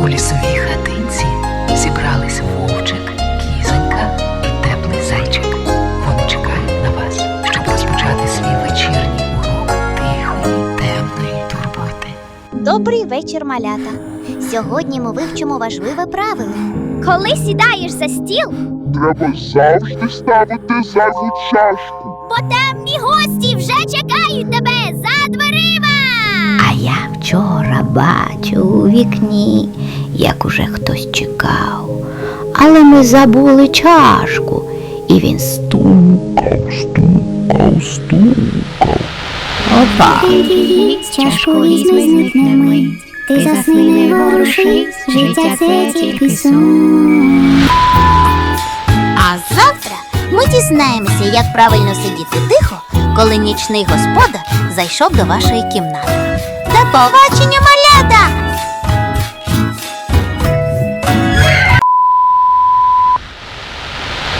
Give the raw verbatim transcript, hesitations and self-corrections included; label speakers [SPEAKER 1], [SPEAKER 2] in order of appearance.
[SPEAKER 1] У лісовій хатинці зібрались вовчик, кізонька і теплий зайчик. Вони чекають на вас, щоб розпочати свій вечірній урок тихої, темної турботи.
[SPEAKER 2] Добрий вечір, малята. Сьогодні ми вивчимо важливе правило. Коли сідаєш за стіл,
[SPEAKER 3] Треба завжди ставити зайву чашку.
[SPEAKER 2] бо темні гості вже чекають тебе за дверима.
[SPEAKER 4] А я вчора бачу у вікні, як уже хтось чекав. Але ми забули чашку, і він стукав, стукав, стукав. Опа!
[SPEAKER 5] Привіт, чашку візьми, зникне мить. Ти засни, не ворушись, життя це тільки сон.
[SPEAKER 2] А завтра ми дізнаємося, як правильно сидіти тихо, коли нічний господар зайшов до вашої кімнати. До побачення,